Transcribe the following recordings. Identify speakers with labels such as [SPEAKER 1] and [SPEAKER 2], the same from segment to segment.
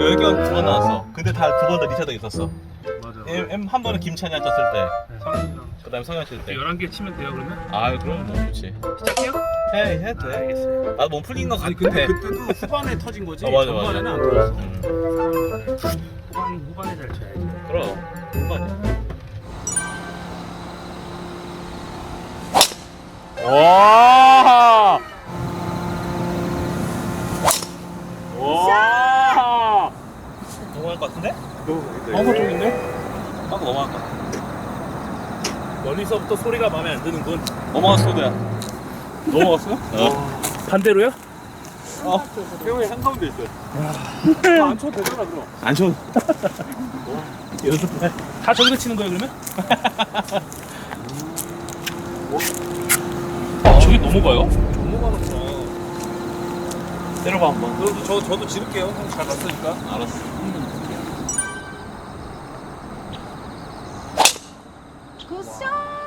[SPEAKER 1] 10개 두 번 나왔어. 근데 다 두 번 다 리차도 있었어.
[SPEAKER 2] 맞아.
[SPEAKER 1] M 한 번은 김찬이랑 쳤을 때,
[SPEAKER 2] 성현이랑
[SPEAKER 1] 그 다음에 성현 칠 때.
[SPEAKER 2] 11개 치면 돼요 그러면?
[SPEAKER 1] 아, 그럼 뭐 좋지.
[SPEAKER 2] 시작해요?
[SPEAKER 1] 해도 돼.
[SPEAKER 2] 알겠어요.
[SPEAKER 1] 나도 몸 풀린 거 같아.
[SPEAKER 3] 아니 근데 그때도 후반에 터진 거지.
[SPEAKER 1] 맞아, 맞아.
[SPEAKER 3] 전반에는 안 터졌어.
[SPEAKER 2] 후반에 잘 쳐야지.
[SPEAKER 1] 그럼. 후반이야.
[SPEAKER 3] 와! 와!
[SPEAKER 1] 넘어갈 것 같은데?
[SPEAKER 3] 너무 쪽인데?
[SPEAKER 1] 딱 넘어갈 것 같아.
[SPEAKER 2] 멀리서부터 소리가 마음에 안 드는군.
[SPEAKER 1] 넘어갔어, 도야.
[SPEAKER 3] 넘어갔어요?
[SPEAKER 1] 어.
[SPEAKER 2] 반대로요?
[SPEAKER 3] 태용이 한가운데 있어요. 안 쳐도 되잖아 그럼.
[SPEAKER 1] 안 쳐.
[SPEAKER 2] 연습 다 저기서 치는 거예요 그러면? 저기 넘어가요?
[SPEAKER 3] 넘어가는구나.
[SPEAKER 1] 때려봐, 한번.
[SPEAKER 3] 그래도 저도 지를게요. 형 잘 봤으니까.
[SPEAKER 1] 알았어.
[SPEAKER 4] 굿샷!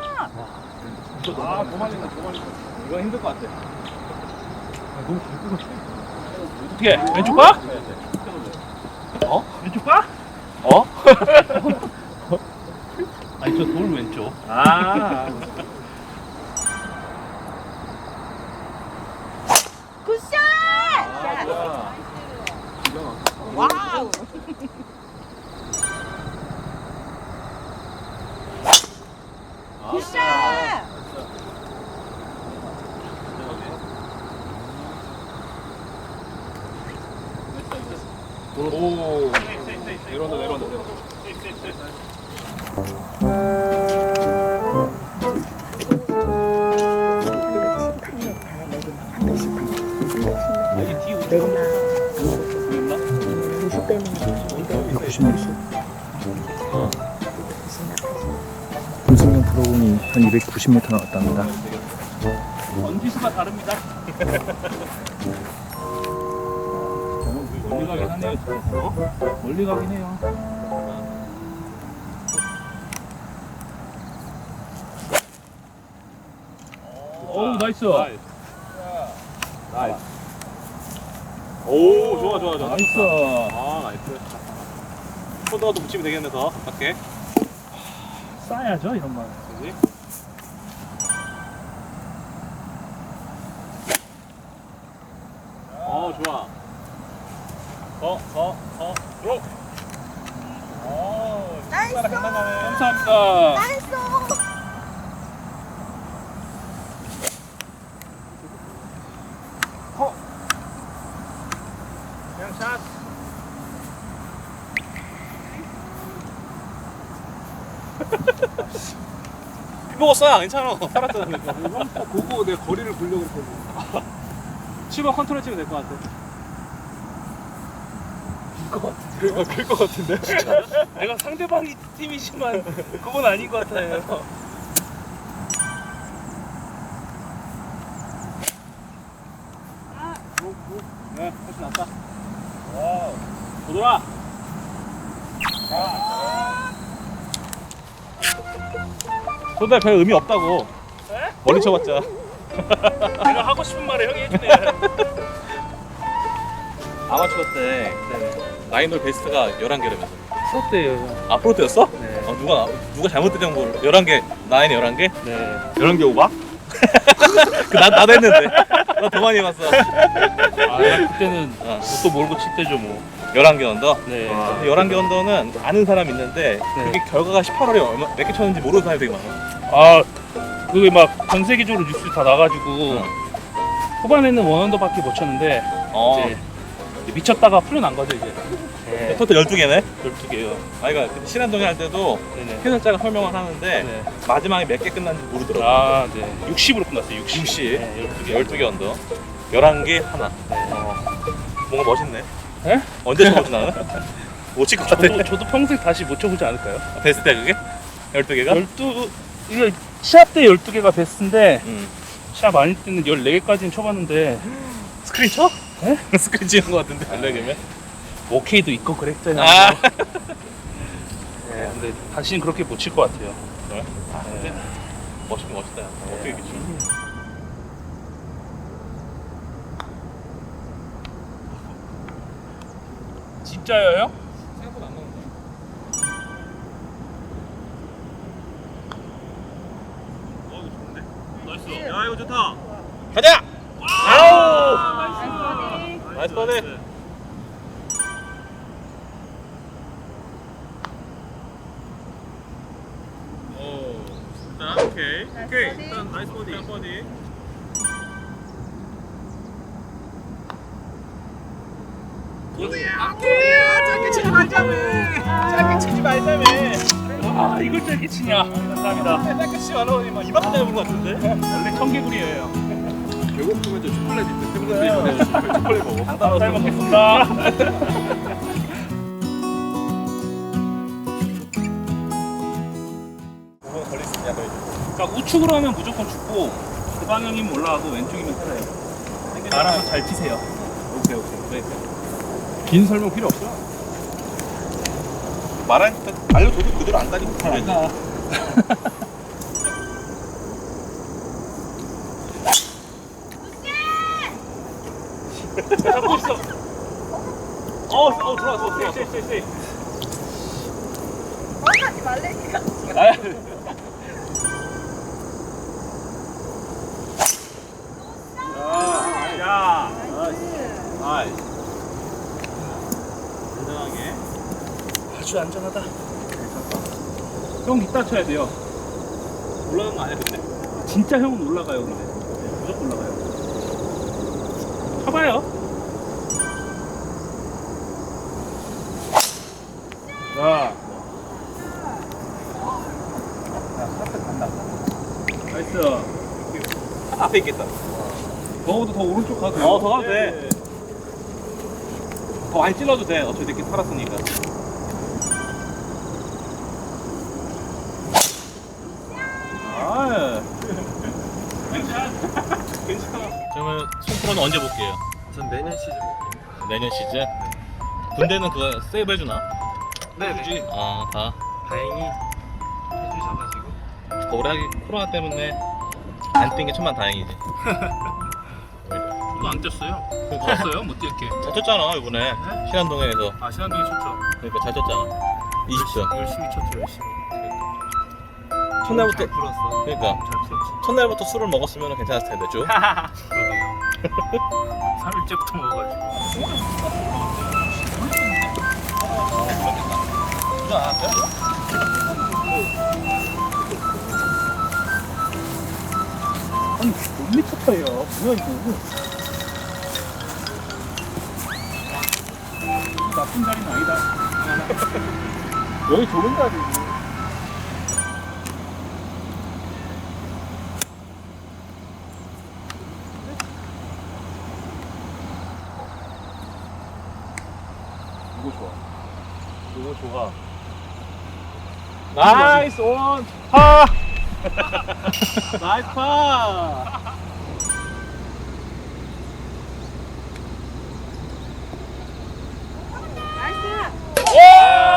[SPEAKER 3] 아, 도망친다, 도망친다.
[SPEAKER 1] 이거 힘들 것 같아.
[SPEAKER 2] 어떻게? 왼쪽 봐?
[SPEAKER 1] 어?
[SPEAKER 2] 왼쪽 봐?
[SPEAKER 1] 어?
[SPEAKER 2] 아니 저 돌 왼쪽.
[SPEAKER 1] 아.
[SPEAKER 4] 굿샷!
[SPEAKER 1] 아,
[SPEAKER 4] 와우! 굿샷!
[SPEAKER 3] 오. 내려온다, 내려온다.
[SPEAKER 5] 분승용 프로공이 한 290m 나왔답니다.
[SPEAKER 2] 원기수가 다릅니다. 멀리 가긴 하네요. 어? 멀리 가긴 해요. 어우 나이스.
[SPEAKER 3] 나이스. 오, 좋아, 좋아, 좋아.
[SPEAKER 2] 나이스.
[SPEAKER 3] 아, 나이스.
[SPEAKER 1] 코드가도 붙이면 되겠네, 더. 가깝게.
[SPEAKER 2] 싸야죠 이런 말.
[SPEAKER 1] 그지?
[SPEAKER 3] 좋아.
[SPEAKER 1] 들어.
[SPEAKER 4] 나이스!
[SPEAKER 2] 감사합니다.
[SPEAKER 4] 나이스!
[SPEAKER 2] 그냥 샷.
[SPEAKER 1] 먹었어, 괜찮아. 살았잖아.
[SPEAKER 3] 형딱 보고 내 거리를 보려고 했거든.
[SPEAKER 1] 7번 컨트롤 치면 될 것 같아.
[SPEAKER 3] 그러니까 클것 같은데?
[SPEAKER 2] 내가 상대방이 팀이지만 그건 아닌 것 같아요.
[SPEAKER 1] 네, 훨씬 낫다. 와우. 도돌아. 손대 별 의미 없다고.
[SPEAKER 2] 에?
[SPEAKER 1] 멀리 쳐봤자.
[SPEAKER 2] 내가 하고 싶은 말을 형이 해주네.
[SPEAKER 1] 아마추어 때 나인홀 베스트가 11개라면서.
[SPEAKER 2] 프로때예요.
[SPEAKER 1] 아, 프로 때였어?
[SPEAKER 2] 네.
[SPEAKER 1] 누가 잘못 때린 걸 11개, 나인에 11개?
[SPEAKER 2] 네.
[SPEAKER 1] 11개 오바? 나도 했는데. 나 더 많이 해봤어.
[SPEAKER 2] 아 그때는
[SPEAKER 1] 어.
[SPEAKER 2] 또 몰고 칠 때죠 뭐.
[SPEAKER 1] 11개 언더?
[SPEAKER 2] 네.
[SPEAKER 1] 11개 언더는 아는 사람 있는데 그게 결과가 18홀에 몇 개 쳤는지 모르는 사람이 되게 많아.
[SPEAKER 2] 아 그게 막 전 세계적으로 뉴스 다 나가지고 후반에는 원언더밖에 못 쳤는데 이제 미쳤다가 풀려난 거죠 이제. 네.
[SPEAKER 1] 토탈 12개네?
[SPEAKER 2] 12개요.
[SPEAKER 1] 아이가 신한동에 할 때도
[SPEAKER 2] 네네.
[SPEAKER 1] 해설자가 설명을 하는데
[SPEAKER 2] 네.
[SPEAKER 1] 마지막에 몇 개 끝났는지 모르더라고.
[SPEAKER 2] 아 네. 60으로 끝났어요. 60.
[SPEAKER 1] 60.
[SPEAKER 2] 네, 12개.
[SPEAKER 1] 12개 언더. 11개 하나. 뭔가 멋있네.
[SPEAKER 2] 네?
[SPEAKER 1] 언제 쳐보지 나는? 못 칠 것 같아.
[SPEAKER 2] 저도 평생 다시 못 쳐보지 않을까요?
[SPEAKER 1] 베스트야 그게? 12개가?
[SPEAKER 2] 12 이게 시합 때 12개가 베스트인데 시합 아닐 때는 14개까지는 쳐봤는데
[SPEAKER 1] 스크린 쳐?
[SPEAKER 2] 네?
[SPEAKER 1] 스크린 치는 것 같은데 14개면?
[SPEAKER 2] 오케이도 있고 그랬잖아요.
[SPEAKER 1] 아.
[SPEAKER 2] 네, 근데 다시는 그렇게 못 칠 것 같아요.
[SPEAKER 1] 그래?
[SPEAKER 2] 네.
[SPEAKER 1] 멋있긴 멋있다. 어떻게 이렇게 쳐?
[SPEAKER 2] 진짜요, 형?
[SPEAKER 3] 생각보다 안 나온다. 이거 좋은데?
[SPEAKER 2] 나이스.
[SPEAKER 3] 야, 이거 좋다.
[SPEAKER 1] 가자.
[SPEAKER 2] 아우!
[SPEAKER 1] 나이스 버디.
[SPEAKER 3] 오. 일단 오케이. 오케이. 일단 나이스 버디. 일단 버디. 짧게 치지 말자며. 짧게 치지 말자며.
[SPEAKER 2] 아, 이걸 짧게 치냐. 감사합니다.
[SPEAKER 3] 짧게 치지 말라고 막 이만큼 잡은 것 같은데.
[SPEAKER 2] 원래 청개구리예요.
[SPEAKER 3] 배고프면 저 초콜릿 있는데 팬분들이 초콜릿 먹어.
[SPEAKER 2] 잘 먹겠습니다.
[SPEAKER 1] 오번 걸릴 수 있냐, 너희?
[SPEAKER 2] 그러니까 우측으로 하면 무조건 죽고 그 방향이면 올라가고 왼쪽이면 살아요. 알아서 잘 치세요.
[SPEAKER 1] 오케이. 네.
[SPEAKER 3] 긴 설명 필요 없어.
[SPEAKER 1] 말하니까 알려줘도 그대로 안 가니까 잘 안 가.
[SPEAKER 2] 잡고 있어.
[SPEAKER 3] 들어왔어.
[SPEAKER 2] 쎄.
[SPEAKER 4] 하지 말래니까.
[SPEAKER 3] 야.
[SPEAKER 1] 아이.
[SPEAKER 3] 안전하게.
[SPEAKER 2] 아주 안전하다. 형 이따 쳐야 돼요.
[SPEAKER 3] 올라간 거 아니야 근데?
[SPEAKER 2] 진짜 형은 올라가요, 근데. 무조건 올라가요. 쳐봐요.
[SPEAKER 3] 자.
[SPEAKER 2] 나이스.
[SPEAKER 1] 앞에 있겠다.
[SPEAKER 2] 더워도 더 오른쪽 가도 돼요.
[SPEAKER 1] 더 가도 돼. 더 많이 찔러도 돼. 어차피 이렇게 살았으니까. 아.
[SPEAKER 3] 괜찮아.
[SPEAKER 1] 그러면 손프로는 언제 볼게요?
[SPEAKER 3] 전 내년 시즌 볼게요.
[SPEAKER 1] 내년 시즌? 군대는 그거 세이브 해주나?
[SPEAKER 3] 네.
[SPEAKER 1] 아, 다.
[SPEAKER 3] 다행히 해주셔가지고.
[SPEAKER 1] 올해 코로나 때문에 안 뛴 게 천만 다행이지.
[SPEAKER 2] 저도 안 뛰었어요. 떴어요? 못 뛰었게.
[SPEAKER 1] 잘 쳤잖아, 이번에. 신안동에서.
[SPEAKER 2] 아, 신한동이 쳤죠.
[SPEAKER 1] 그러니까 잘 쳤잖아. 20점.
[SPEAKER 2] 열심히 쳤죠, 열심히.
[SPEAKER 1] 첫날부터,
[SPEAKER 3] 잘 풀었어.
[SPEAKER 1] 그러니까.
[SPEAKER 3] 잘 풀었지.
[SPEAKER 1] 첫날부터 술을 먹었으면 괜찮았을 텐데, 쭉.
[SPEAKER 3] 그러게요.
[SPEAKER 2] 3일째부터 먹어가지고.
[SPEAKER 1] 그러지 않았어요?
[SPEAKER 2] 아니, 몇 미터 차이야. 뭐야, 이거. 나쁜 자리는 아니다.
[SPEAKER 3] 여기 좋은 자리지.
[SPEAKER 1] 이거 좋아.
[SPEAKER 3] 이거 좋아.
[SPEAKER 1] 나이스 온!
[SPEAKER 3] 파! 나이스 파!
[SPEAKER 4] 나이스.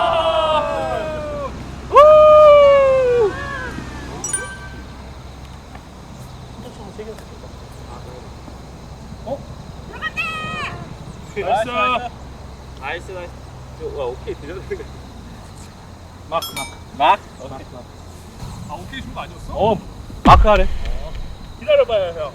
[SPEAKER 2] 나이스.
[SPEAKER 3] 나이스. 와, 오케이 드려야 되는 거.
[SPEAKER 1] 막?
[SPEAKER 3] 아, 오케이 준 거 아니었어?
[SPEAKER 1] 어, 마크 하래.
[SPEAKER 2] 기다려봐요, 형.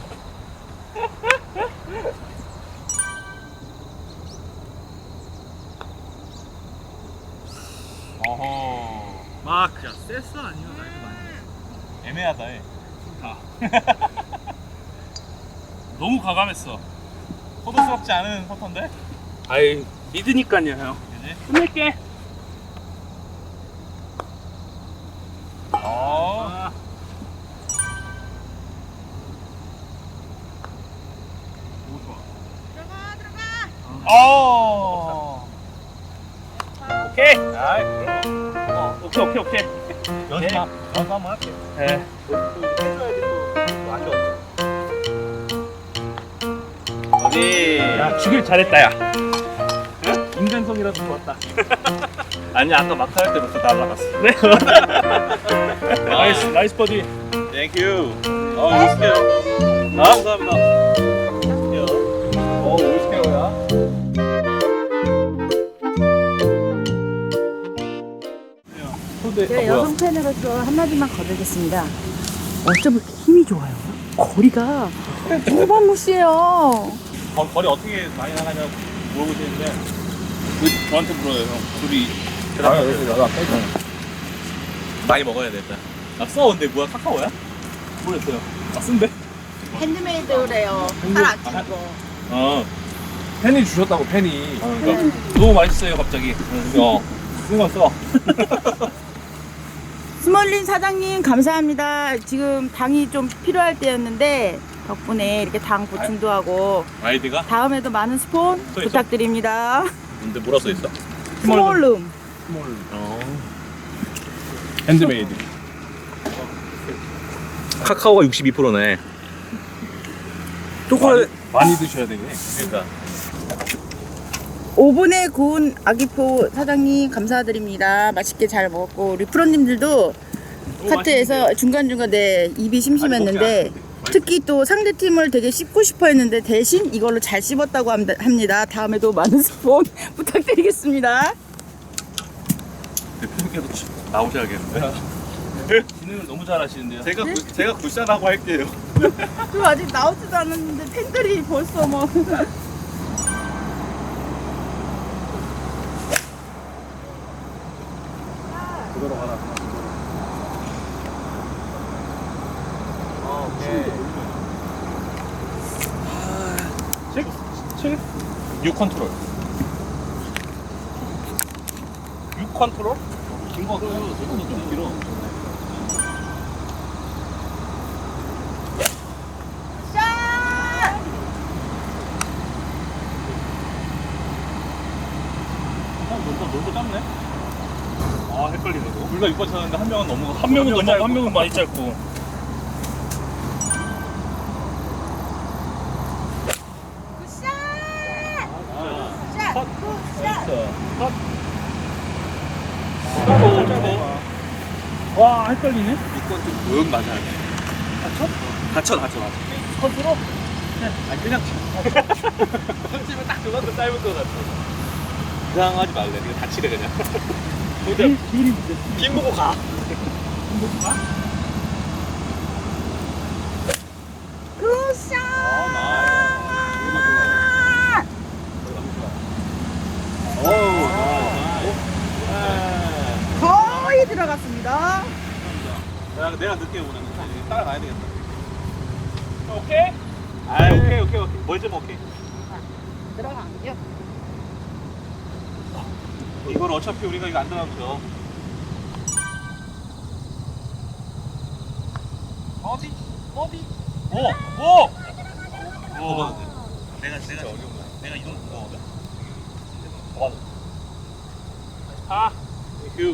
[SPEAKER 1] 어허.
[SPEAKER 3] 마크. 야, 세스 아니면 나이스 아니야.
[SPEAKER 1] 애매하다, 해.
[SPEAKER 2] 너무 과감했어.
[SPEAKER 1] 포도스럽지 않은 퍼터인데?
[SPEAKER 2] 아이, 믿으니까요, 형.
[SPEAKER 1] 그지?
[SPEAKER 2] 끝낼게.
[SPEAKER 1] 어.
[SPEAKER 4] 들어가.
[SPEAKER 1] 어.
[SPEAKER 2] 오케이.
[SPEAKER 1] 아이,
[SPEAKER 2] 오케이.
[SPEAKER 1] 연습 한번 할게.
[SPEAKER 2] 네.
[SPEAKER 1] 어디?
[SPEAKER 2] 야, 주길 잘했다, 야. 인간성이라도 좋았다.
[SPEAKER 1] 아니, 아까 마크 할 때부터 날라갔어.
[SPEAKER 2] 네. 나이스 버디.
[SPEAKER 1] 땡큐. 오스케어. 감사합니다.
[SPEAKER 3] 오, 50kg야.
[SPEAKER 1] 근데
[SPEAKER 6] 제가 여성 팬으로서 한마디만 거두겠습니다. 어쩜 이렇게 힘이 좋아요? 거리가 무방무시해요.
[SPEAKER 1] 거리 어떻게 많이 나가냐 물어보시는데
[SPEAKER 2] 왜 저한테 물어요, 형? 둘이.
[SPEAKER 1] 나도 아까 많이 먹어야 돼 일단. 써 근데 뭐야 카카오야? 모르겠어요. 쓴데?
[SPEAKER 6] 핸드메이드래요. 살 안 찌는 거.
[SPEAKER 1] 어.
[SPEAKER 3] 팬이 주셨다고 팬이.
[SPEAKER 1] 그러니까
[SPEAKER 2] 너무 맛있어요, 갑자기.
[SPEAKER 1] 쓴거 써.
[SPEAKER 6] 스몰린 사장님 감사합니다. 지금 당이 좀 필요할 때였는데 덕분에 이렇게 당 보충도 하고
[SPEAKER 1] 아이디가?
[SPEAKER 6] 다음에도 많은 스폰
[SPEAKER 1] 써 있어?
[SPEAKER 6] 부탁드립니다.
[SPEAKER 1] 근데 뭐라 써 있어?
[SPEAKER 6] 스몰룸.
[SPEAKER 3] 핸드메이드.
[SPEAKER 1] 카카오가 62%네.
[SPEAKER 3] 초콜릿 많이 드셔야 되게.
[SPEAKER 1] 그러니까.
[SPEAKER 6] 오븐에 구운 아기포 사장님 감사드립니다. 맛있게 잘 먹었고 우리 프로님들도 카트에서 중간중간 입이 심심했는데 특히 또 상대 팀을 되게 씹고 싶어 했는데 대신 이걸로 잘 씹었다고 합니다. 다음에도 많은 스폰 부탁드리겠습니다.
[SPEAKER 1] 대표님께서 나오셔야겠는데.
[SPEAKER 2] 진행을 너무 잘하시는데요.
[SPEAKER 1] 제가 굿샷하고 할게요.
[SPEAKER 6] 저 아직 나오지도 않았는데 팬들이 벌써 뭐
[SPEAKER 3] 그대로 가라.
[SPEAKER 1] 칠? 6 컨트롤. 6 컨트롤? 긴거 같아요. 이거는 좀 길어. 너무 짧네? 아 헷갈리네 이거. 둘 다 6번 쳤는데 한 명은 너무
[SPEAKER 2] 한 명은 너무, 한 명은 많이 짧고.
[SPEAKER 1] 와 헷갈리네. 이건 좀 조용 맞아야 돼. 다쳐? 다쳐. 컨트롤? 아니 그냥 컨치면 딱 그만큼 짧을 것 같아. 이상하지 말래. 그냥 다치래 그냥. 힘 보고 가. 힘 보고 가?
[SPEAKER 6] 굿샷! 거의 들어갔습니다.
[SPEAKER 1] 내가 늦게 오는 거 따라가야 되겠다.
[SPEAKER 2] 오케이?
[SPEAKER 1] 아 오케이. 뭘 좀 오케이.
[SPEAKER 6] 들어간겨.
[SPEAKER 1] 이걸 어차피 우리가 이거 안 들어가면 져. 어디? 오! 내가 이동 무거거든. 아, 땡큐.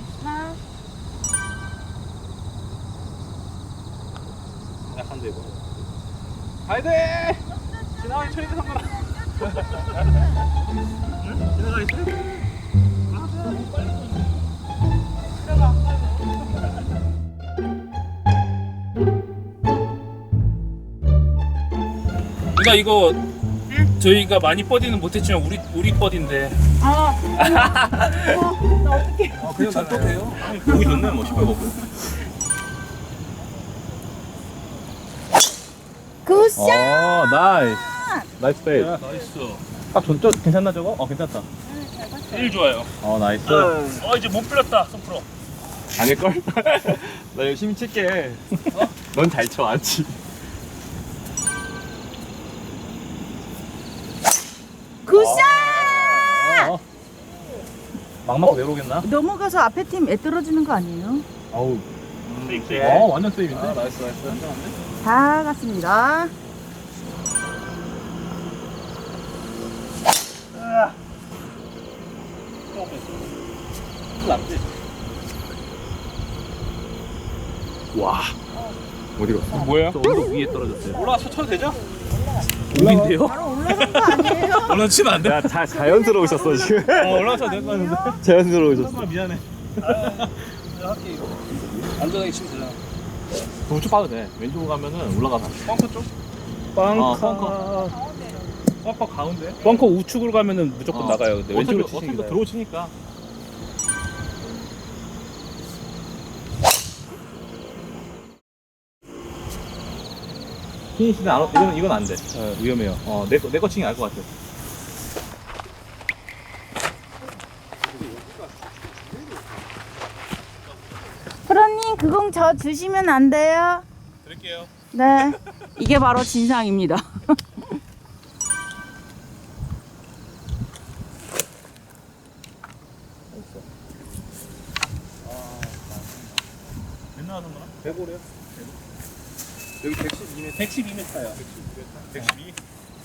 [SPEAKER 1] 약한데 이거. 가야 돼. 지나가기 처리돼 상관아. 지나가기 처리.
[SPEAKER 2] 그러니까 이거 저희가 많이 버디는 못했지만 우리 버디인데.
[SPEAKER 6] 나 어떡해.
[SPEAKER 3] 그냥 놔둬도 돼요.
[SPEAKER 1] 보기 좋네 뭐 시골 먹고.
[SPEAKER 6] 굿샷!
[SPEAKER 3] 나이스 페이스.
[SPEAKER 2] 나이스.
[SPEAKER 1] 딱 좋죠? 괜찮나 저거? 괜찮다.
[SPEAKER 2] 제일 좋아요.
[SPEAKER 1] 나이스.
[SPEAKER 2] 이제 못 풀렸다, 손프로.
[SPEAKER 1] 아닐걸? 나 열심히 칠게. 넌 잘 쳐, 안 치.
[SPEAKER 6] 굿샷!
[SPEAKER 1] 막 맞고 내려오겠나?
[SPEAKER 6] 넘어가서 앞에 팀 애 떨어지는 거 아니에요?
[SPEAKER 1] 어우. 완전 세이브인데? 나이스.
[SPEAKER 6] 다 갔습니다.
[SPEAKER 1] 낫지?
[SPEAKER 3] 와. 어디로?
[SPEAKER 2] 뭐야?
[SPEAKER 1] 저 언덕 위에 떨어졌어요. 올라가서 쳐도 되죠?
[SPEAKER 2] 우빈데요?
[SPEAKER 6] 바로 올라간 거 아니에요?
[SPEAKER 1] 올라치면 안 돼.
[SPEAKER 3] 야, 자연스러우셨어 지금.
[SPEAKER 1] 올라가서 될거 같은데.
[SPEAKER 3] 자연스러우셨어.
[SPEAKER 1] 미안해.
[SPEAKER 2] 안전하게 치면 되잖아.
[SPEAKER 1] 우측 봐도 돼. 왼쪽으로 가면은 올라가서.
[SPEAKER 2] 벙커 쪽?
[SPEAKER 1] 벙커 가운데?
[SPEAKER 2] 벙커 우측으로 가면은 무조건 나가요. 근데 왼쪽으로
[SPEAKER 1] 어차피
[SPEAKER 2] 치시니까.
[SPEAKER 1] 들어오치니까. 피니시는 이건 안 돼. 위험해요. 내 거 치긴 알 것 같아.
[SPEAKER 6] 프로님 그 공 저 주시면 안 돼요?
[SPEAKER 1] 드릴게요.
[SPEAKER 6] 네. 이게 바로 진상입니다.
[SPEAKER 1] 맨날 하는 거야?
[SPEAKER 3] 105래요? 여기 112m.
[SPEAKER 2] 112m요.
[SPEAKER 1] 112.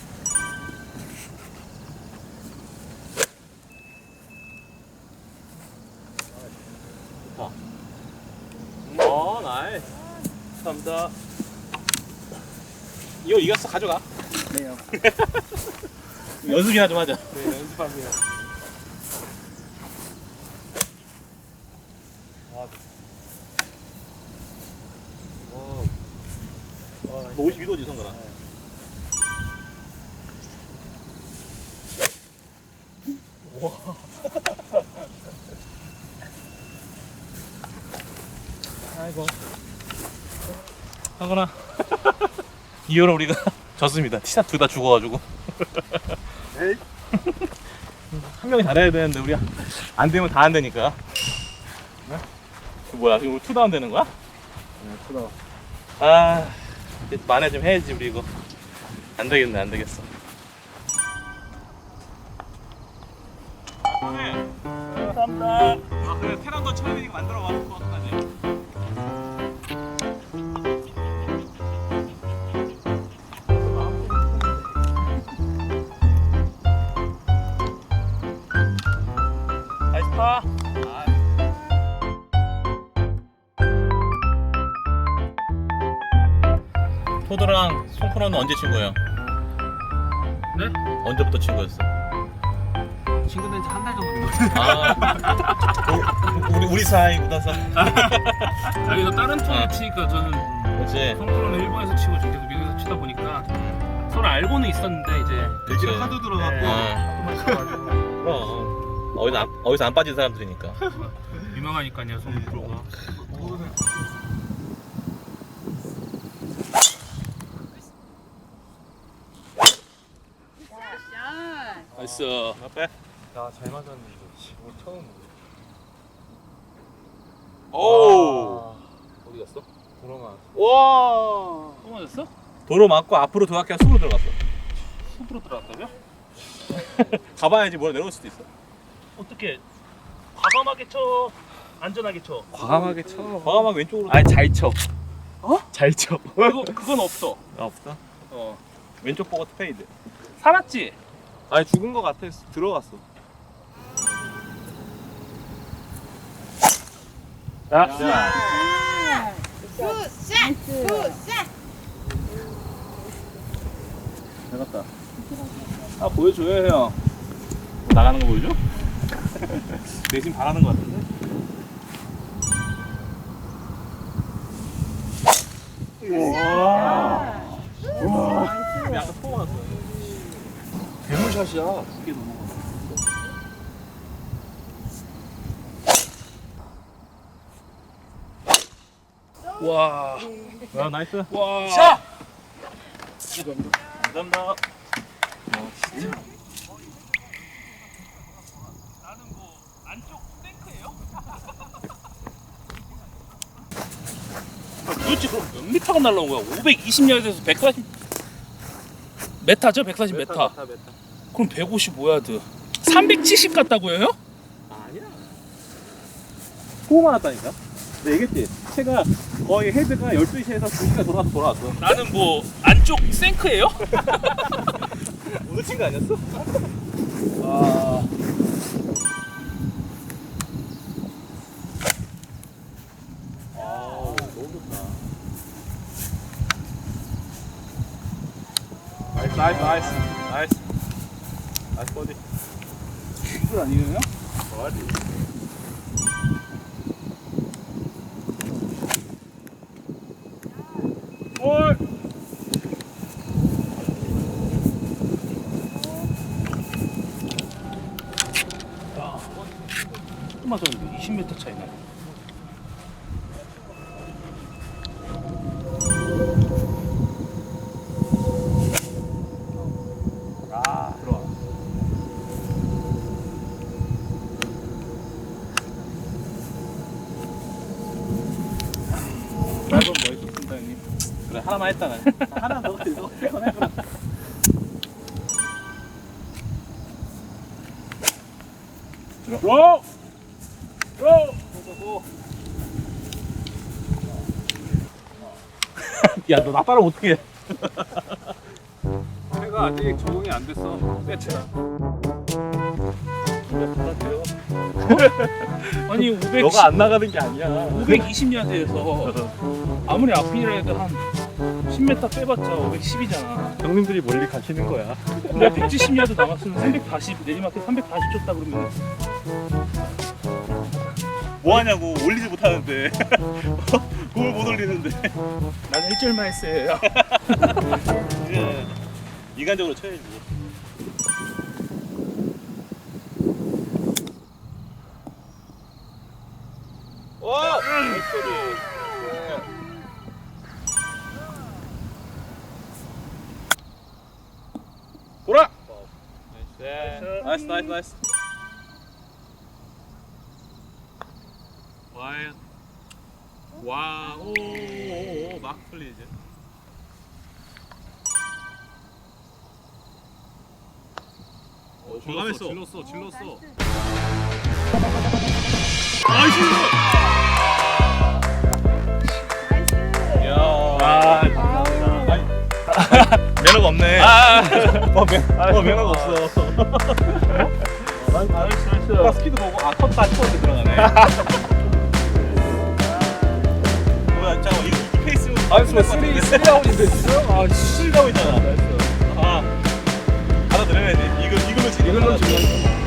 [SPEAKER 1] 나이스. 감사합니다. 이거 이겼어, 가져가.
[SPEAKER 3] 네요.
[SPEAKER 1] 연습이나 좀 하자.
[SPEAKER 3] 네, 연습하세요.
[SPEAKER 1] 너 52도지, 성근아. 아이고. 성근아. 이후로 우리가 졌습니다. 티샷 둘 다 죽어가지고.
[SPEAKER 3] 에이.
[SPEAKER 1] 한 명이 잘해야 되는데 우리 안 되면 다 안 되니까. 뭐야, 지금 우리 투다운 되는 거야?
[SPEAKER 3] 네, 크다.
[SPEAKER 1] 아, 이제 만회 좀 해야지 우리 이거. 안 되겠네, 안 되겠어. 감사합니다. 아, 그래, 테란도 쳐야 되니까 만들어 봐. 어떡하지? 나이스 파. 토드랑 송프로는 언제 친 거예요?
[SPEAKER 2] 네?
[SPEAKER 1] 언제부터 친 거였어?
[SPEAKER 3] 친구 된 지 한 달 정도 된 것
[SPEAKER 1] 아, 우리 사이 묻어서.
[SPEAKER 2] 여기서 다른 톤을
[SPEAKER 1] 어.
[SPEAKER 2] 치니까 저는
[SPEAKER 1] 그렇지.
[SPEAKER 2] 성프로는 일본에서 치고 저 계속 미국에서 치다 보니까 서로 알고는 있었는데 이제
[SPEAKER 1] 그렇지.
[SPEAKER 3] 하도 들어갔고.
[SPEAKER 1] 그럼 어디서 안 빠진 사람들이니까.
[SPEAKER 2] 유명하니까요, 성프로가. 나이스.
[SPEAKER 1] 앞에.
[SPEAKER 3] 야, 잘 맞았는데 이거. 오늘 처음.
[SPEAKER 1] 오.
[SPEAKER 3] 어디 갔어? 돌아가.
[SPEAKER 1] 와.
[SPEAKER 2] 또 맞았어?
[SPEAKER 1] 도로 맞고 앞으로 도약해 숲으로 들어갔어.
[SPEAKER 2] 숲으로 들어갔다며?
[SPEAKER 1] 가봐야지 뭘 내려올 수도 있어.
[SPEAKER 2] 어떻게 과감하게 쳐, 안전하게 쳐.
[SPEAKER 3] 과감하게 쳐.
[SPEAKER 1] 과감하게 왼쪽으로.
[SPEAKER 3] 아니, 잘 쳐.
[SPEAKER 2] 어?
[SPEAKER 3] 잘 쳐.
[SPEAKER 2] 그건 없어.
[SPEAKER 1] 아, 없다.
[SPEAKER 2] 어.
[SPEAKER 1] 왼쪽 보고 페이드.
[SPEAKER 2] 살았지?
[SPEAKER 3] 아니, 죽은 거 같아. 들어갔어.
[SPEAKER 1] 자.
[SPEAKER 6] 굿샷! 굿샷!
[SPEAKER 1] 잘 갔다. 아, 보여줘요, 형. 나가는 거 보여줘? 내심 바라는 거 같은데? 약간 포가 났어.
[SPEAKER 3] 괴물샷이야.
[SPEAKER 2] 이게 넘어가. 와.
[SPEAKER 1] 야, 나이스.
[SPEAKER 2] 와.
[SPEAKER 1] 샷! 감사합니다.
[SPEAKER 2] 나는 뭐 안쪽 탱크예요? 도대체 그럼 몇 미터가 날라온 거야? 520야드에서 140 메타죠? 140 메타. 그럼 155야드. 370 같다고요?
[SPEAKER 1] 아니야. 포만 왔다니까? 내가 얘기했지? 채가 거의 헤드가 12시에서 2시간 돌아왔어.
[SPEAKER 2] 나는 뭐 안쪽 생크예요?
[SPEAKER 1] 오늘 친거 아니었어?
[SPEAKER 2] 아.
[SPEAKER 1] 아, 너무 좋다. 나이스 버디.
[SPEAKER 2] 이거 아니에요?
[SPEAKER 1] 볼!
[SPEAKER 2] 또 맞았는데 20m 차이 나요. 짧은 멋있었습니다 형님.
[SPEAKER 1] 그래 하나만 했다 난. 하나 더 이거 해봐.
[SPEAKER 3] 로! 로!
[SPEAKER 2] 야너 나 따라 어떻게 해?
[SPEAKER 3] 해가 아직 적응이 안 됐어. 세트라.
[SPEAKER 2] 아니 500.
[SPEAKER 1] 너가 안 나가는 게 아니야.
[SPEAKER 2] 520야드에서 아무리 앞이라 해도 한 10m 빼봤자 510이잖아.
[SPEAKER 1] 형님들이 멀리 가시는 거야.
[SPEAKER 2] 내가 170야드 남았으면 340 내리막에 340 줬다 그러면
[SPEAKER 1] 뭐 하냐고 올리지 못하는데. 공을 못 올리는데.
[SPEAKER 2] 나는 1절만 했어요.
[SPEAKER 1] 그래. 인간적으로 쳐야지. 와! 보라! 나이스 나이스 나이스.
[SPEAKER 3] 와, 오, 막 풀리지.
[SPEAKER 1] 과감했어.
[SPEAKER 3] 질렀어.
[SPEAKER 1] 나이스!
[SPEAKER 4] 나이스.
[SPEAKER 1] 야.
[SPEAKER 2] 아,
[SPEAKER 1] 매너가 없네. 매너가 없어.
[SPEAKER 2] 나이스.
[SPEAKER 1] 스피드 보고 컸다 싶었는데 들어가네. 뭐야, 잠깐만 이 페이스.
[SPEAKER 3] 쓰리 아웃인데 지금?
[SPEAKER 1] 아, 실가고 있잖아. 알아들어야지. 이걸로 지금.